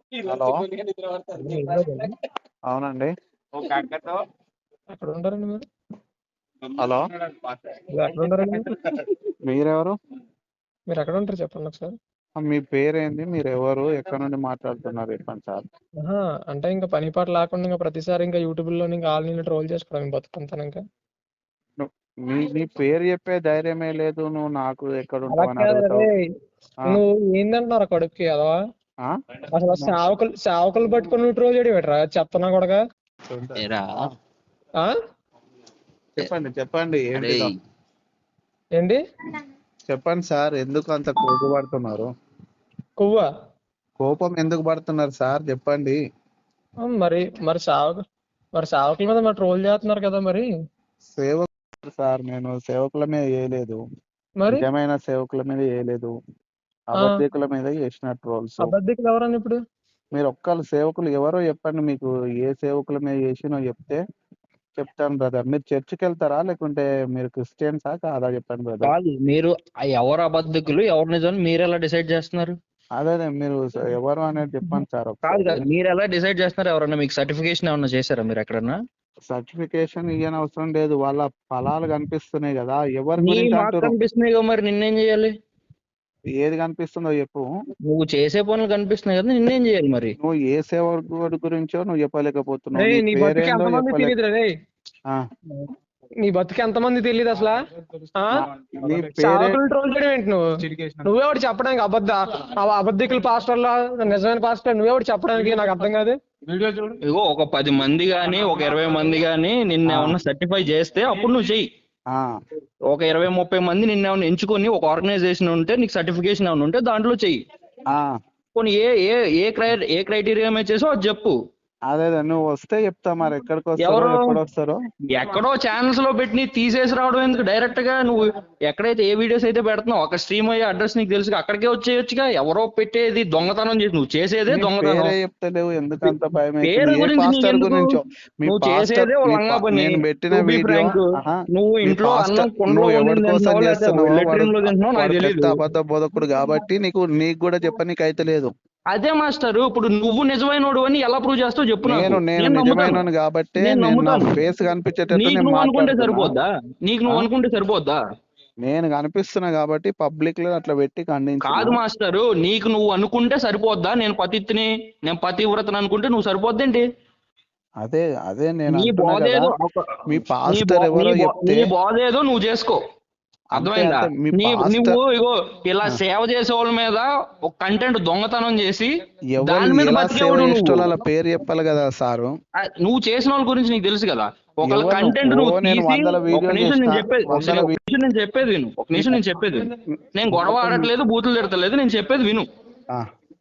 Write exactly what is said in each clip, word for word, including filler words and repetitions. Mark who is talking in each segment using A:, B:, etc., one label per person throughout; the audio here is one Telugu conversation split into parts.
A: హలో
B: హైదరాబాద్
A: అవునండి.
B: ఎక్కడ ఉంటారండి మీరు?
A: హలో
B: మీరు ఎక్కడ ఉంటారండి మీరు?
A: మీరెవరు?
B: మీరు ఎక్కడ ఉంటారు చెప్పండి ఒకసారి.
A: ఆ, మీ పేరేంది? మీరు ఎవరు? ఎక్కడ నుండి మాట్లాడుతున్నారు? చెప్పండి సార్.
B: ఆహా, అంటే ఇంకా పని పాట లేకుండా ఇంకా ప్రతిసారి ఇంకా యూట్యూబ్ లో ఇంకా ఆల్ నేను ట్రోల్ చేసుకోవడం బతుకుంటాను ఇంకా.
A: ను- నీ నీ పేరు చెప్పే ధైర్యమే లేదు. నువ్వు నాకు ఎక్కడ
B: అలా
A: ఉంటావు అని
B: కాదు
A: అడుగుతావు.
B: రే,
A: ఆ,
B: నువ్వు ఏందంటున్నారు కడుపుకి అదవా?
A: ఆ?
B: అసలు సేవకులు సేవకులు పట్టుకొని నువ్వు ట్రోల్ చేయడం పెట్టరా చెత్తనా కూడా.
C: ఏరా
B: ఆ
A: చెప్పండి చెప్పండి
C: అరే
A: ఏంటిదో
B: ఏంటి
A: చెప్పండి సార్. ఎందుకు అంత కోపపడుతున్నారు?
B: కొవ్వా?
A: కోపం ఎందుకు పడుతున్నారు సార్? చెప్పండి.
B: ఆ, మరి మరి సేవకు మరి సేవకుల మీద మరి ట్రోల్ చేస్తున్నారు కదా మరి.
A: సేవకులు సార్, నేను సేవకుల మీద చేయలేదు.
B: మరి
A: నిజమైన సేవకుల మీద చేయలేదు.
B: ఆ
A: అబద్ధికుల మీద చేసిన ట్రోల్స్.
B: అబద్ధికులు ఎవరని ఇప్పుడు?
A: మీరు ఒక్కళ్ళు సేవకులు ఎవరో చెప్పండి. మీకు ఏ సేవకుల మీద చేసినో చెప్తే చెప్తాను బ్రదర్. మీరు చర్చికి వెళ్తారా లేకుంటే మీరు క్రిస్టియన్సా కాదా? చెప్పండి బ్రదర్.
C: కాదు, మీరు ఆ ఎవరు అబద్ధకులు ఎవరు నిజం మీరు ఎలా డిసైడ్ చేస్తున్నారు?
A: అదే అదే మీరు ఎవరు అనేది చెప్పండి సార్
C: కాదు
A: ఒకసారి.
C: కాదు, మీరు ఎలా డిసైడ్ చేస్తున్నారు? ఎవరన్నా మీకు సర్టిఫికేషన్ ఏమన్నా చేశారా మీరు ఎక్కడన్నా?
A: సర్టిఫికేషన్ ఇయ్యని అవసరం లేదు. వాళ్ళ ఫలాలు కనిపిస్తున్నాయి కదా. ఎవరి
C: నీ
A: గురించి
C: మాకు
A: అంటారు?
C: కనిపిస్తున్నాయి కదా, మరి నిన్నేం చేయాలి?
A: ఏది కనిపిస్తుందో చెప్పు.
C: నువ్వు చేసే పనులు కనిపిస్తున్నాయి కదా, నిన్నేం చేయాలి మరి?
A: నువ్వు ఏ సేవకుడి గురించో నువ్వు చెప్పలేకపోతున్నావు.
B: రే
A: నీ
B: నీ బతుకు
A: పేరేందో
B: ఎంతమంది
A: చెప్పలేక.
B: తెలియదు రే.
A: ఆ,
B: నీ బతుకు ఎంతమంది తెలియదు అసలు. ఆ
A: నా- నీ పేరే
B: సేవకులు ట్రోల్ చేయడం ఏంటి నువ్వు? నువ్వెవడు చెప్పడానికి అబద్ధ అవ- అబద్ధికులు పాస్టర్లా నిజమైన పాస్టర్ నువ్వెవడు చెప్పడానికి? నాకు అర్థం కాదు.
C: ఇగో ఒక పది మంది గాని ఒక ఇరవై మంది గాని నిన్న
A: ఆ,
C: ఏమన్నా సర్టిఫై చేస్తే అప్పుడు నువ్వు చెయ్యి.
A: ఆ,
C: ఒక ఇరవై ముప్పై మంది నిన్న ఏమన్నా ఎంచుకొని ఒక ఆర్గనైజేషన్ ఉంటే నీకు సర్టిఫికేషన్ ఏమైనా ఉంటే దాంట్లో చెయ్యి.
A: ఆ.
C: కొన్ని ఏ ఏ ఏ క్రై ఏ క్రైటీరియా మీద చేసో అది చెప్పు.
A: అదే అదే నువ్వు వస్తే చెప్తా. మరి ఎక్కడికి వస్తారో
C: ఎవరు
A: ఎప్పుడు వస్తారో.
C: ఎక్కడో ఛానల్స్ లో పెట్టి తీసేసి రావడం ఎందుకు? డైరెక్ట్ గా నువ్వు ఎక్కడైతే ఏ వీడియోస్ అయితే పెడుతున్నావు ఒక స్ట్రీమ్ అయ్యే అడ్రస్ నీకు తెలుసు, అక్కడికే వచ్చేయొచ్చుగా. ఎవరో పెట్టేది దొంగతనం చేసి నువ్వు చేసేదే
A: నీ
C: దొంగతనం.
A: పేరే చెప్తలేవు. ఎందుకంత భయం అవుతుంది?
C: పేరు
A: ఏ
C: గురించి
A: పాస్టర్
C: నీకెందుకు?
A: గురించో? మీ
C: నువ్వు
A: పాస్టర్
C: చేసేదే ఓ
A: మీ
C: లంగా
A: పా-
C: పని.
A: నేను పెట్టిన
C: టు బి
A: వీడియో.
C: ఫ్రాంక్,
A: ఆహా,
C: నువ్వు
A: మీ
C: ఇంట్లో అన్నం
A: పాస్టర్
C: కుండలో
A: నువ్వు ఎవరి
C: వండింది
A: కోసం
C: తింటున్నావు, లేకపోతే
A: చేస్తున్నావో వాడు
C: లెట్రిన్ లో తింటున్నావు నాకు
A: వాడు పెద్ద
C: తెలియదు.
A: అబద్ధ బోధకుడు కాబట్టి నీకు నీకు కూడా చెప్పనీకి అయితే లేదు.
C: అదే మాస్టర్, ఇప్పుడు నువ్వు నిజమైనోడు అని ఎలా ప్రూవ్ చేస్తావు చెప్పు నాకు.
A: నేను నేను
C: నేను నమ్ముతాను,
A: నిజమైన కాబట్టే
C: నేను
A: నేను నా
C: నమ్ముతాను.
A: ఫేస్ కనిపించేటట్టు
C: నీకు
A: నేను
C: నువ్వు అనుకుంటే
A: మాట్లాడుతున్నా.
C: సరిపోద్దా? నీకు
A: ఆ?
C: నువ్వు అనుకుంటే సరిపోద్దా?
A: నేను కనిపిస్తున్నా కాబట్టి పబ్లిక్ లో అట్లా పెట్టి ఖండించిన.
C: కాదు మాస్టరు, నీకు నువ్వు అనుకుంటే సరిపోద్దా? నేను పతిత్ని, నేను పతివ్రతని అనుకుంటే నువ్వు సరిపోద్దేంటి?
A: అదే అదే నేను
C: నీ
A: అంటున్నా
C: బోధ
A: కదా.
C: ఏదో ఒక-
A: మీ
C: నీ బో
A: పాస్టర్
C: నీ
A: ఎవరో
C: బో
A: చెప్తే
C: నీ బోధ ఏదో నువ్వు చేసుకో.
A: అంతే
C: అర్థమైందా?
A: అంతే. మీ
C: నీ
A: పాస్టర్
C: నువ్వు ఇగో ఇలా సేవ చేసే వాళ్ళ మీద ఒక కంటెంట్ దొంగతనం చేసి
A: ఎవరు
C: దాని మీద
A: ఎలా సేవ
C: బతికేవాడు నువ్వు.
A: చేసేటోళ్ళ పేరు చెప్పాలి కదా సారు.
C: ఆ, నువ్వు చేసిన వాళ్ళ గురించి నీకు తెలుసు కదా. ఒకళ్ళ
A: ఎవరు
C: కంటెంట్
A: ఓ
C: నువ్వు
A: నేను
C: తీసి
A: వందల
C: ఒక
A: వీడియోలు
C: నిమిషం
A: చేసిన
C: నేను చెప్పేది ఒక
A: వందల
C: ఒక నిమిషం నేను చెప్పేది విను ఒక నిమిషం నేను చెప్పేది విను. నేను గొడవ ఆడట్లేదు, బూతులు తిడతలేదు, నేను చెప్పేది విను.
A: ఆ,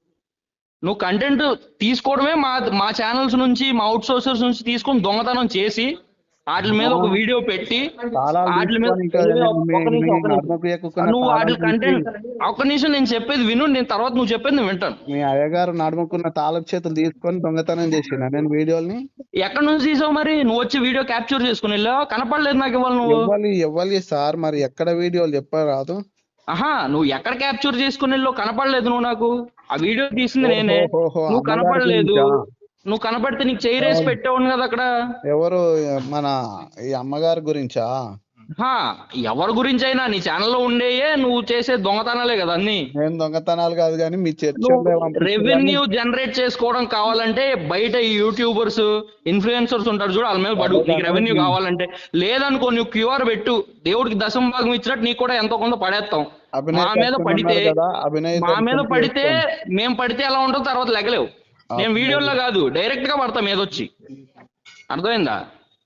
C: నువ్వు కంటెంట్ తీసుకోవడమే మా మా ఛానల్స్ నుంచి మా అవుట్ సోర్సర్స్ నుంచి తీసుకొని దొంగతనం చేసి వాటి మీద ఒక వీడియో పెట్టి
A: తాళాలు
C: వాటి మీద
A: తీసుకొని ఇంకా
C: ఒక
A: మీ
C: ఒక నిమిషం
A: మీ
C: ఒక నిమిషం
A: నడుముకు ఎక్కుకున్న
C: నువ్వు వాటి
A: తాళం తీసి
C: కంటెంట్ ఒక నిమిషం నేను చెప్పేది విను. నేను తర్వాత నువ్వు చెప్పేది నేను వింటాను.
A: మీ అయ్యగారు నడుముకున్న తాళపు చేతులు తీసుకొని దొంగతనం చేసిన నేను వీడియోని.
C: ఎక్కడి నుంచి తీసావు మరి? నువ్వు వచ్చి వీడియో క్యాప్చర్ చేసుకుని వెళ్ళావు, కనపడలేదు నాకు ఇవాళ నువ్వు.
A: ఎవ్వలి ఎవ్వలి సార్ మరి ఎక్కడ వీడియోలు చెప్పరాదు.
C: ఆహా, నువ్వు ఎక్కడ క్యాప్చర్ చేసుకుని వెళ్ళావు కనపడలేదు నువ్వు నాకు. ఆ వీడియో తీసింది నేనే,
A: ఓహోహోహో,
C: నువ్వు
A: అమ్మగారి
C: కనపడలేదు.
A: గురించా?
C: నువ్వు కనపడితే నీకు చెయ్యి రేసి
A: ఎవరు
C: పెట్టేవాడిని కదా అక్కడ.
A: ఎవరు మన ఈ అమ్మగారి గురించా?
C: హా, ఎవరి గురించి అయినా నీ ఛానల్లో ఉండేయే నువ్వు చేసే దొంగతనాలే కదా అన్ని.
A: నేను దొంగతనాలు కాదు కానీ మీ చర్చ
C: నువ్వు రెవెన్యూ జనరేట్ చేసుకోవడం కావాలంటే బయట ఈ యూట్యూబర్స్ ఇన్ఫ్లుయెన్సర్స్ ఉంటారు చూడు, వాళ్ళ మీద పడు నీకు రెవెన్యూ కావాలంటే. లేదనుకో నువ్వు క్యూఆర్ పెట్టు, దేవుడికి దశమ భాగం ఇచ్చినట్టు నీకు కూడా ఎంతో కొంత పడేస్తాం. మా మీద పడితే మా మీద పడితే మేము పడితే ఎలా ఉంటుందో తర్వాత లెగలేవు. నేను వీడియోలో కాదు డైరెక్ట్ గా పడతా మీద వచ్చి. అర్థమైందా?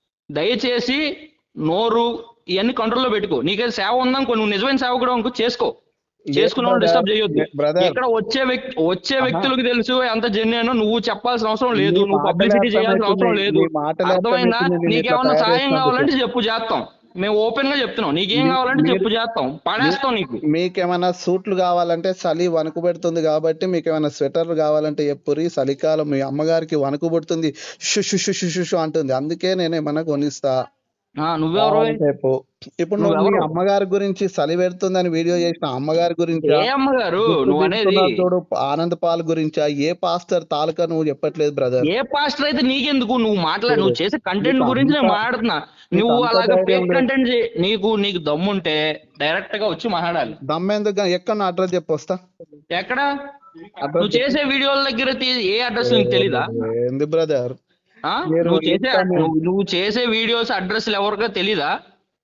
C: దయచేసి నోరు ఇవన్నీ కంట్రోల్లో పెట్టుకో. నీకేదో సేవ ఉందనుకో, నువ్వు నిజమైన సేవ కూడా అనుకో, చేసుకో. చేసుకున్న వాళ్ళు డిస్టర్బ్ చేయొద్దు. ఇక్కడ వచ్చే వ్యక్తి వచ్చే వ్యక్తులకు తెలుసు ఎంత జెన్యునో. నువ్వు చెప్పాల్సిన అవసరం లేదు, నువ్వు పబ్లిసిటీ చేయాల్సిన అవసరం లేదు. అర్థమైందా? నీకేమన్నా సాయం కావాలంటే చెప్పు, చేస్తాం. మేము ఓపెన్ గా చెప్తున్నాం, నీకేం కావాలంటే చెప్పు, చేస్తాం, పడేస్తాం. నీకు
A: మీకేమైనా సూట్లు కావాలంటే చలి వణుకు పెడుతుంది కాబట్టి మీకు ఏమైనా స్వెటర్లు కావాలంటే చెప్పురి. చలికాలం మీ అమ్మగారికి వణుకు పుడుతుంది, షు షు షు షు షు అంటుంది, అందుకే నేను ఏమైనా కొనిస్తా.
C: ఆ, నువ్వెవరు
A: చెప్పు. ఇప్పుడు నువ్వు మీ
C: నువ్వెవరు
A: అమ్మగారి గురించి చలి పెడుతుందని వీడియో చేసిన అమ్మగారి గురించా,
C: ఏ అమ్మగారు
A: గుర్తు
C: నువ్వు అనేది
A: తీసుకున్నారు చూడు ఆనంద్ పాల్ గురించా, ఏ పాస్టర్ తాలూకా నువ్వు చెప్పట్లేదు బ్రదర్.
C: ఏ పాస్టర్ అయితే నీకెందుకు నువ్వు మాట్లాడు నువ్వు చేసే కంటెంట్
A: నీకు
C: గురించి నేను
A: అంత
C: మాట్లాడుతున్నా
A: నీకు
C: నువ్వు
A: అంత
C: అలాగే
A: ధైర్యం
C: ఫేక్
A: లేదు.
C: కంటెంట్ నీకు నీకు దమ్ముంటే డైరెక్ట్ గా వచ్చి మాట్లాడాలి.
A: దమ్మెందుకు ఎక్కడ నా అడ్రస్ చెప్పు వస్తా.
C: ఎక్కడ
A: అడ్రస్
C: నువ్వు చేసే వీడియోల దగ్గర తీ- ఏ అడ్రస్ నీకు తెలీదా
A: ఏంది బ్రదర్
C: ఆ?
A: మీరు
C: నువ్వు చేసే
A: ఇస్తాను.
C: నువ్వు నువ్వు చేసే వీడియోస్ అడ్రస్లు ఎవరికో తెలీదా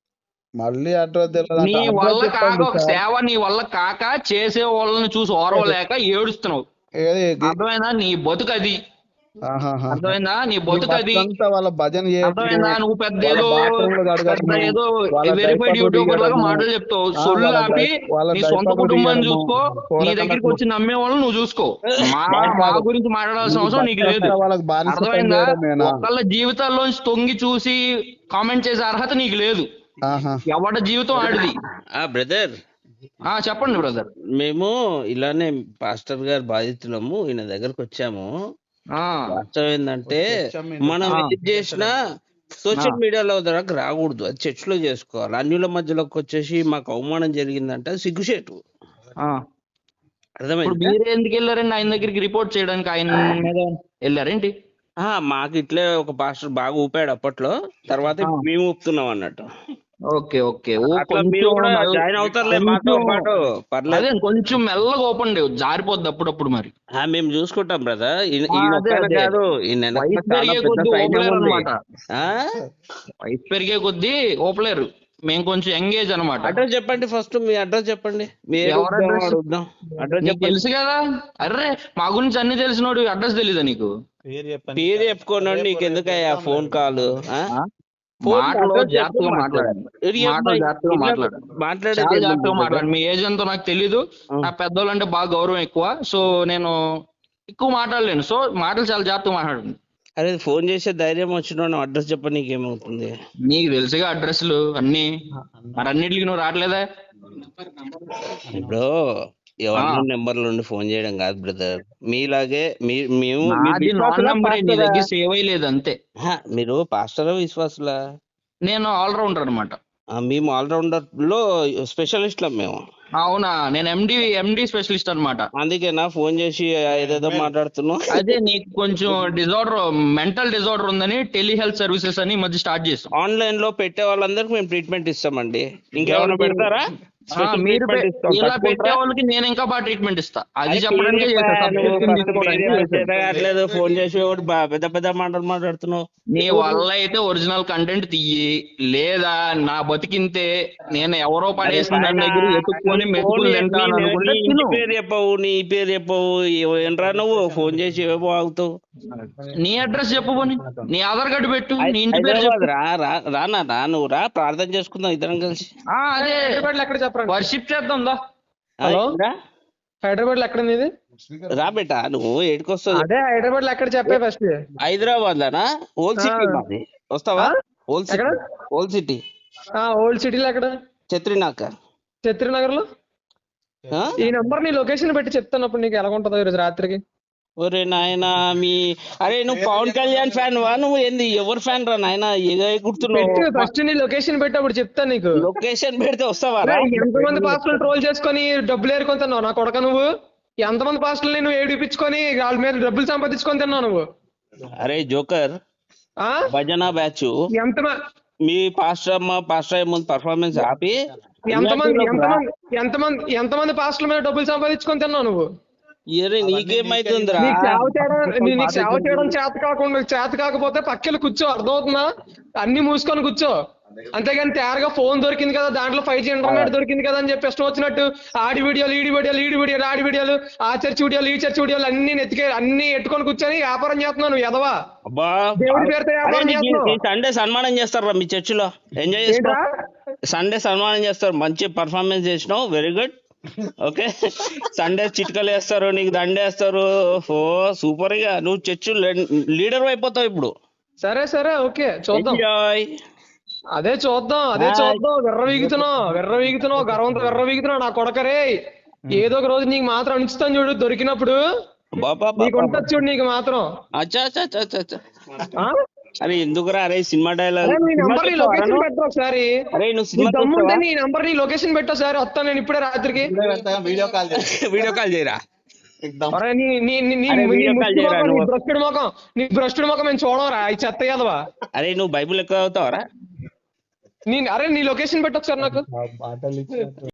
A: మళ్ళీ అడ్రస్ తెలియదు
C: నీ
A: అంటే
C: వల్ల
A: అడ్రస్
C: కాక
A: చెప్పండి
C: ఒక
A: సార్.
C: సేవ నీ వల్ల కాక చేసే వాళ్ళని చూసి ఓర్వలేక ఏడుస్తున్నావు.
A: ఏది గి-
C: అర్థమైందా నీ బతుకు అది
A: ఆహాహా.
C: అర్థమైందా నీ
A: నీ
C: బతుకు అది
A: బతుకంతా వాళ్ళ భజన చేయడం,
C: అర్థమైందా నువ్వు పెద్ద
A: వాళ్ళ
C: ఏదో
A: బాత్రూమ్లు
C: పెద్ద
A: కడగడము,
C: ఏదో
A: వాళ్ళ
C: వెరిఫైడ్
A: డైపర్లు
C: యూట్యూబర్ లాగా
A: తీయడము,
C: మాటలు చెప్తావు.
A: ఆ,
C: సొల్లు
A: వాళ్ళ
C: ఆపి
A: డై- వాళ్ళ
C: నీ సొంత
A: డైపర్లు
C: కుటుంబాన్ని
A: తీయడము,
C: చూసుకో. నీ
A: పోరకలకు
C: దగ్గరికి వచ్చి నమ్మే వాళ్ళని నువ్వు చూసుకో. మా మా గురించి మాట్లాడాల్సిన
A: నీకు
C: అవసరం నీకు లేదు.
A: బతుకంతా వాళ్ళకి బానిస పని
C: అర్థమైందా
A: చేయడమేనా?
C: ఒకళ్ళ జీవితాల్లోంచి తొంగి చూసి కామెంట్ చేసే అర్హత నీకు లేదు.
A: ఆహా.
C: ఎవడ జీవితం ఆడిది.
D: ఆ బ్రదర్,
C: ఆ చెప్పండి బ్రదర్.
D: మేము ఇలానే పాస్టర్ గారు బాధితులము, ఈయన దగ్గరకు వచ్చాము.
C: ఆ
D: వాస్తవం ఏంటంటే మనం
C: ఆ.
D: ఏది చేసినా సోషల్ మీడియాలో దగ్గరకు రాకూడదు, అది చర్చిలో చేసుకోవాలి. అన్యుల మధ్యలోకి వచ్చేసి మాకు అవమానం జరిగిందంటే అది సిగ్గుచేటు.
C: ఆ. ఇప్పుడు
D: అర్థమైంది?
C: మీరే ఎందుకు వెళ్ళారండి ఆయన దగ్గరికి రిపోర్ట్ చేయడానికి? ఆయన మీద వెళ్ళారేంటి?
D: ఆ, మాకు ఇట్లే ఒక పాస్టర్ బాగా ఊపాడు అప్పట్లో, తర్వాత
C: ఆ.
D: మేము ఊపుతున్నాం అన్నట్టు.
C: ఓకే ఓకే ఓ
D: అట్లా మీరు
C: కొంచెం
D: కూడా
C: మెల్ల-
D: జాయిన్ అవుతారులే మాతో
C: కొంచెం-
D: పాటు, పర్లేదు.
C: అదే కొంచెం మెల్లగా ఓపెన్ జారిపోద్ది అప్పుడప్పుడు మరి.
D: ఆ, మేము చూసుకుంటాం బ్రదర్.
C: ఆ,
D: ఈయన
C: అదే,
D: ఒక్కడే
C: అదే.
D: కాదు, ఈయన వెనక
C: వయసు
D: చాలా
C: పెరిగే
D: పెద్ద
C: కొద్దీ
D: సైన్యం
C: ఓపలేరు
D: ఉంది.
C: అనమాట.
D: ఆ?
C: వయసు పెరిగే కొద్దీ ఓపలేరు. మేము కొంచెం ఎంగేజ్ అనమాట.
D: అడ్రస్ చెప్పండి, ఫస్ట్ మీ అడ్రస్ చెప్పండి. మీ
C: ఎవరి
D: అడుగుదాం,
C: address?
D: అడుగుదాం. అడ్రస్
C: నీకు
D: చెప్పండి.
C: తెలుసు కదా. అర్రే మా గురించి అన్ని తెలిసినోడు అడ్రస్ తెలీదా నీకు?
D: పేరు చెప్పుకోనండి, నీకు ఎందుకయ్యా ఫోన్ కాల్?
C: ఆ?
D: ఫోన్
C: మాటలో
D: అడ్రస్
C: జాగ్రత్తగా
D: చెప్పు,
C: మాట్లాడండి.
D: మాట్లాడు.
C: మాటలో జాగ్రత్తగా మాట్లాడు.
D: మాట్లాడేది
C: చాలా
D: ఏముంది
C: జాగ్రత్తగా
D: బ్రదర్?
C: మాట్లాడు. మీ ఏజ్ ఎంతో నాకు తెలీదు.
D: ఆ.
C: నా పెద్దోళ్ళు అంటే బాగా గౌరవం ఎక్కువ. సో నేను ఎక్కువ మాట్లాడలేను. సో మాటలు చాలా జాగ్రత్తగా మాట్లాడండి.
D: అరే ఫోన్ చేసే ధైర్యం వచ్చిన అడ్రస్ చెప్ప, నీకేమవుతుంది?
C: నీకు తెలుసుగా అడ్రస్లు అన్ని. మరి అన్నిటికి నువ్వు రావట్లేదా?
D: ఇప్పుడు ఎవరి నెంబర్ల నుండి ఫోన్ చేయడం కాదు బ్రదర్, మీలాగే మీ- మేము మీరు
C: నాది నాన్
D: విశ్వాసులా,
C: నెంబరే, నీ
D: పాస్టరా?
C: దగ్గర సేవ్ అయ్యలేదు అంతే.
D: హా, మీరు పాస్టరా విశ్వాసులా?
C: నేను ఆల్రౌండర్ అనమాట.
D: ఆ, మేము ఆల్రౌండర్ లో స్పెషలిస్ట్లం మేము.
C: అవునా? నేను ఎండి ఎండి స్పెషలిస్ట్ అనమాట.
D: అందుకేనా ఫోన్ చేసి ఏదేదో మాట్లాడుతున్నావు?
C: అదే నీకు కొంచెం డిజార్డర్, మెంటల్ డిజార్డర్ ఉందని టెలిహెల్త్ సర్వీసెస్ అని ఈ మధ్య స్టార్ట్ చేస్తాం.
D: ఆన్లైన్ లో పెట్టే వాళ్ళందరికి మేము ట్రీట్మెంట్ ఇస్తామండి. ఇంకేమైనా
C: ఎవరికి?
D: పెడతారా?
C: ఆ,
D: స్పెషల్
C: మీరు
D: ట్రీట్మెంట్
C: పె-
D: ఇస్తాం.
C: ఇలా పెట్టే
D: తట్టుకుంటారా?
C: వాళ్ళకి నేను ఇంకా బాగా ట్రీట్మెంట్ ఇస్తా. అది
D: అరే
C: చెప్పడానికి
D: పేరు
C: చేశా,
D: చెప్పా, నువ్వు
C: subscription
D: first
C: తీసుకోవడానికి
D: పేరు
C: చేశా.
D: చేత కావట్లేదు, ఫోన్ చేసి ఒకటి బా- పెద్ద పెద్ద మాటలు మాట్లాడుతున్నావు.
C: నీ వల్ల అయితే ఒరిజినల్ కంటెంట్ తీయి, లేదా నా బతికింతే నేను ఎవరో పడేసిన దాని దగ్గర ఎత్తుక్కొని మెతుకులు తింటాను అనుకుంటే
D: నీ
C: తిను.
D: పేరు చెప్పవు, నీ పేరు చెప్పవు, ఏంట్రా నువ్వు ఫోన్ చేసి ఏమో ఆగుతావు.
C: నీ అడ్రస్ చెప్పు పోనీ, నీ ఆధార్ కార్డు పెట్టు, నీ ఇంటి పేరు
D: హైదరాబాద్
C: చెప్పు.
D: రా రా రానా రా, నువ్వు రా, ప్రార్థన చేసుకుందాం ఇద్దరం కలిసి.
C: ఆ, అదే
B: హైదరాబాద్ లో ఎక్కడ చెప్పండి?
C: వర్షిప్ చేద్దాం దా.
D: ఆ,
B: హలో?
D: రా.
B: హైదరాబాద్ లో ఎక్కడ నీది?
D: రా బేటా, నువ్వు ఏడుకొస్తావు?
B: అదే హైదరాబాద్ లో ఎక్కడ చెప్పే ఫస్ట్.
D: హైదరాబాద్ లోనా? ఓల్డ్ సిటీ
B: ఆ.
D: మాది, వస్తావా?
B: ఆ?
D: ఓల్డ్ సిటీ,
B: ఎక్కడ?
D: ఓల్డ్ సిటీ
B: ఓల్డ్ సిటీలో ఎక్కడ?
D: చత్రినాక.
B: చత్రినగర్ లో.
D: ఆ?
B: ఈ నంబర్ నీ లొకేషన్ పెట్టి చెప్తాను, అప్పుడు నీకు ఎలా ఉంటుందో ఈరోజు రాత్రికి.
D: ఒరే నాయనా, మీ అరే నువ్వు పవన్ కళ్యాణ్ ఫ్యాన్ వా? నువ్వు ఏంది ఎవరు ఫ్యాన్ రా నాయనా? ఏదో
B: పెట్టు
D: గుర్తున్నావు.
B: ఫస్ట్ నీ లొకేషన్ పెట్టి అప్పుడు చెప్తాను నీకు.
D: లొకేషన్ పెడితే వస్తావా రా?
B: ఎంతమంది పాస్టర్లు ట్రోల్ చేసుకొని డబ్బులు ఏరుకొని తిన్నావు నా కొడక నువ్వు? ఎంతమంది పాస్టర్లు నువ్వు ఏడిపించుకొని వాళ్ళ మీద డబ్బులు సంపాదించుకొని తిన్నావు నువ్వు?
D: అరే జోకర్,
B: ఆ
D: భజన బ్యాచ్
B: ఎంత
D: మీ పాస్టర్ అమ్మ పాస్టర్ అయ్యే ముందు పర్ఫార్మెన్స్ ఆపి
B: ఎంతమంది ఎంతమంది ఎంతమంది ఎంతమంది పాస్టర్ల మీద డబ్బులు సంపాదించుకొని తిన్నావు నువ్వు?
D: అరే నీకేమైతుందిరా?
B: నీకు సేవ చేయడం నీ- నీకు సేవ చేయడం చేత కాకుండా చేత కాకపోతే పక్కన కూర్చో, అర్థమవుతుందా? అన్ని మూసుకొని కూర్చో. అంతేగాని తయారుగా ఫోన్ దొరికింది కదా, దాంట్లో ఫైవ్ జీ ఇంటర్నెట్ దొరికింది కదా అని చెప్పి ఇష్టం వచ్చినట్టు ఆడి వీడియోలు ఈడి వీడియోలు ఈడి వీడియోలు ఆడి వీడియోలు ఆ చర్చి వీడియోలు ఈ చర్చి వీడియోలు అన్ని నెత్తికే అన్ని ఎట్టుకొని కూర్చొని వ్యాపారం చేస్తున్నావు నువ్వు ఎదవా.
D: అబ్బా,
B: దేవుడి పేరుతో
D: అరే
B: వ్యాపారం
D: నీకు
B: చేస్తున్నావు.
D: ఈ సండే సన్మానం చేస్తారా మీ చర్చిలో? ఎంజాయ్ చేసుకో.
B: ఏంట్రా?
D: సండే సన్మానం చేస్తారు, మంచి పర్ఫార్మెన్స్ చేసినావు, వెరీ గుడ్. ఓకే, సండే చిట్కలు వేస్తారు, నీకు దండేస్తారు. ఓ సూపర్ గా నువ్వు చర్చ్ లీడర్ అయిపోతావు ఇప్పుడు.
B: సరే సరే ఓకే చూద్దాం.
D: ఎంజాయ్.
B: అదే చూద్దాం అదే చూద్దాం. వెర్ర వీగుతున్నావు వెర్ర వీగుతున్నావు గర్వంతో వెర్ర వీగుతున్నావు నా కొడకరే. ఏదో ఒక రోజు నీకు మాత్రం అనిపిస్తాను చూడు, దొరికినప్పుడు
D: బాబా
B: నీకు ఉంటుంది చూడు నీకు మాత్రం.
D: అచ్చా అచ్చా అచ్చా అచ్చా.
B: ఆ?
D: అరే ఎందుకురా అరే సినిమా డైలాగ్
B: అరే నీ నంబర్ నీ లొకేషన్ పెట్టు ఒకసారి.
D: అరే నువ్వు
B: నీ
D: సినిమా
B: దమ్ముంటే నీ నంబర్ నీ లొకేషన్ పెట్టు ఒకసారి, వస్తాను నేను ఇప్పుడే రాత్రికి.
E: వీడియో కాల్
D: వీడియో కాల్ చేయరా
B: అరే నీ నీ నీ నీ
D: అరే
B: నీ
D: వీడియో కాల్
B: ముష్టి
D: చేయరా
B: ముఖం, నీ
D: నువ్వు.
B: భ్రష్టుడి ముఖం నీ భ్రష్టుడి ముఖం మేము చూడవరా ఈ చెత్త కదవా.
D: అరే నువ్వు బైబిల్ ఎక్కువ అవుతావరా
B: నీ అరే నీ లొకేషన్ పెట్టు ఒకసారి నాకు.
E: బాటలు